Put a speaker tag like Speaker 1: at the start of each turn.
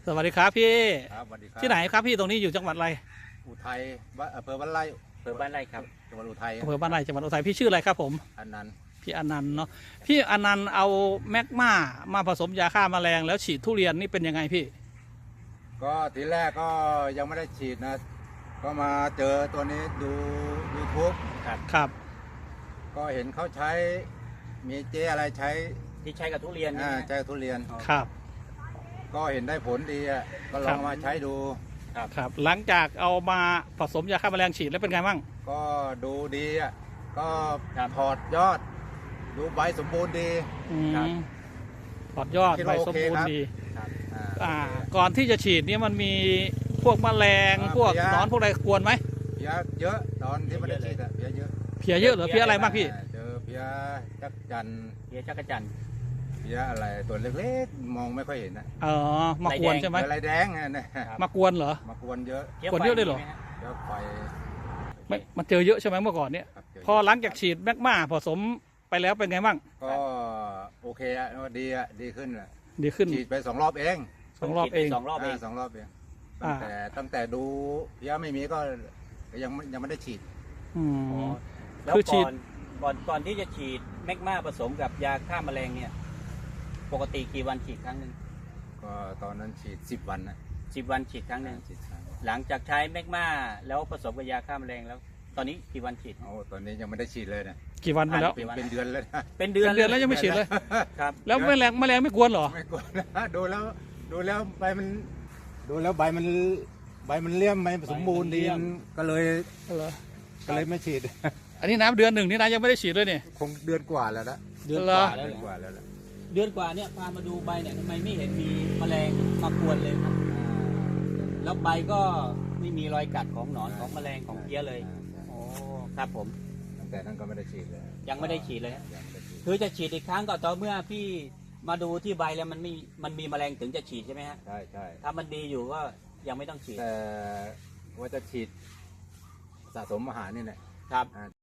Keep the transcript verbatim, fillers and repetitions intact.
Speaker 1: สวัสดีครับพี่
Speaker 2: ครับสวัสดีครับ
Speaker 1: ที่ไหนครับพี่ตรงนี้อยู่จังหวัดอะไร
Speaker 2: อุทัยบ้านอำเภอบ้านไร่
Speaker 3: อำเภอบ้านไร่ครับ
Speaker 2: จังหวัดอุทัย
Speaker 1: อำเภอบ้านไร่จังหวัดอุทัยพี่ชื่ออะไรครับผม
Speaker 2: อันนั้น
Speaker 1: พี่อนันต์เนาะพี่อนันต์เอาแมกมามาผสมยาฆ่าแมลงแล้วฉีดทุเรียนนี่เป็นยังไงพี่
Speaker 2: ก็ทีแรกก็ยังไม่ได้ฉีดนะ ก็มาเจอตัวนี้ดูยูทูบ
Speaker 3: ครับ
Speaker 1: ครับ
Speaker 2: ก็เห็นเขาใช้มีเจอะไรใช้
Speaker 3: ที่ใช้กับทุเรียน
Speaker 2: อ่า
Speaker 3: นะ
Speaker 2: ใช้ทุเรียน
Speaker 1: ครับ
Speaker 2: ก็เห็นได้ผลดีอ่ะก็ล
Speaker 1: ครั
Speaker 2: อง
Speaker 1: บ
Speaker 2: มาใช้ดู
Speaker 1: ครับหลังจากเอามาผสมยาฆ่าแมลงฉีดแล้วเป็นไงบ้าง
Speaker 2: ก็ดูดีอ่ะก็
Speaker 3: ครับ
Speaker 2: ถอดยอด ดูใบสมบูรณ์ดี
Speaker 1: อืม
Speaker 3: ครับ
Speaker 1: ถอดยอด
Speaker 2: คิด
Speaker 1: ใบ
Speaker 2: ว่า
Speaker 1: สม
Speaker 2: โอเค
Speaker 1: บูร
Speaker 2: ครั
Speaker 1: ณ์
Speaker 2: บ
Speaker 1: ดี
Speaker 3: ครับ
Speaker 2: อ่า
Speaker 1: อ่าก่อนที่จะฉีดเนี่ยมันมีพวกแมลง
Speaker 2: อ่า
Speaker 1: พวก
Speaker 2: เพลี้ย
Speaker 1: หนอนพวกอะไรกวนไหม
Speaker 2: เพี้ยเยอะตอนที่ไม่ได้ฉีดอ่ะเพี้ยเยอะ
Speaker 1: เพียเยอะเหรือเพียอะไรบ้างพี่
Speaker 2: อ่าเจอเพี้ยจักจันทร์
Speaker 3: เพียจักรจันทร์
Speaker 2: เพี้ยอะไรตัวเล็กๆมองไม่ค่อยเห็นนะ
Speaker 1: เออมากวนใช่ไหม
Speaker 2: เพี้ยลายแดงอ่ะเนี่ย
Speaker 1: มากวนเหรอ
Speaker 2: มากวนเยอะ
Speaker 3: พี้
Speaker 1: คนเยอะเลยเหรอ
Speaker 3: ไฟมีไมฮะ
Speaker 2: เยอะไฟ
Speaker 1: ไม่มันเจอเยอะใช่ไหมเมื่อก่อนเนี่ย
Speaker 2: ครับเจอ
Speaker 1: พอหลังจากฉีดแมกมาผสมไปแล้วเป็นไงบ้าง
Speaker 2: ก็โอเคอ่ะดีอ่ะดีขึ้นอ่ะ
Speaker 1: ดีขึ้น
Speaker 2: ฉีดไปสองรอบเอง
Speaker 1: สองรอบเอง
Speaker 3: สองรอบเอง
Speaker 2: าสองรอบเอง
Speaker 1: อ่า
Speaker 2: ตั้งแต่ตั้งแต่ดูเพี้ยไม่มีก็ก็ยังไม่ยังไม่ได้ฉีด
Speaker 1: อื
Speaker 3: อ๋อ
Speaker 1: ม
Speaker 3: แล้ว
Speaker 1: คือฉี
Speaker 3: ก่
Speaker 1: ด
Speaker 3: อนก่อนก่อนที่จะฉีดแมกมาผสมกับยาฆ่าแมลงเนี่ย ปกติกี่วันฉีดครั้งหนึ่ง
Speaker 2: ก็ตอนนั้นฉีดสิบวันนะ
Speaker 3: สิบวันฉีดครั้งหนึ่ง
Speaker 2: ฉีดครั้ง
Speaker 3: หลังจากใช้แมกมาแล้วผสมกับยาฆ่าแมลงแล้ว ตอนนี้กี่วันฉีด
Speaker 2: โอ้ตอนนี้ยังไม่ได้ฉีดเลยนะ
Speaker 1: กี่วันไปแล้ว
Speaker 2: เป็นเป็นเดือนแล้วนะ
Speaker 3: เป็นเดือน
Speaker 1: เป็นเดือนแล้วยังไม่ฉีดเลย
Speaker 3: ครับ
Speaker 1: แล้วแมลงแมลงไม่กวนเหรอ
Speaker 2: ไม่กลัวนะดูแล้วดูแล้วใบมันดูแล้วใบมันใบมันเลี่ยมใบมันสมบูรณ์ดีก็เลย
Speaker 1: เหรอ
Speaker 2: ก็เลยไม่ฉีด
Speaker 1: อันนี้น้ำเดือนหนึ่งนี่นะยังไม่ได้ฉีดเลยเนี่ย
Speaker 2: คงเดือนกว่าแล้วนะ
Speaker 3: เดือน
Speaker 1: เหร
Speaker 3: ก
Speaker 1: อ
Speaker 3: ว่าแล้ว
Speaker 2: เดือน
Speaker 3: เนี่ย
Speaker 2: กว่าแล้วล่ะ
Speaker 3: เดือนกว่าเนี่ยพามาดูใบเนี่ยทำไมไม่เห็นมีแมลงมากวนเลยครับ แล้วใบก็ไม่มีรอยกัดของหนอนของแมลงของเพี้ยเลย โอ้ครับผม
Speaker 2: ตั้งแต่นั้นก็ไม่ได้ฉีดเลย
Speaker 3: ยังไม่ได้ฉีดเลยฮะ
Speaker 2: ยังไม่ได้ฉีด
Speaker 3: คือจะฉีดอีกครั้งก็ต่อเมื่อพี่มาดูที่ใบแล้วมันไม่มันมีแมลงถึงจะฉีดใช่ไหมฮะ
Speaker 2: ใช่ใช่
Speaker 3: ถ้ามันดีอยู่ก็ยังไม่ต้องฉีด
Speaker 2: แต่ว่าจะฉีดสะสมอาหารนี่แหละ
Speaker 3: ครับ
Speaker 2: อ่า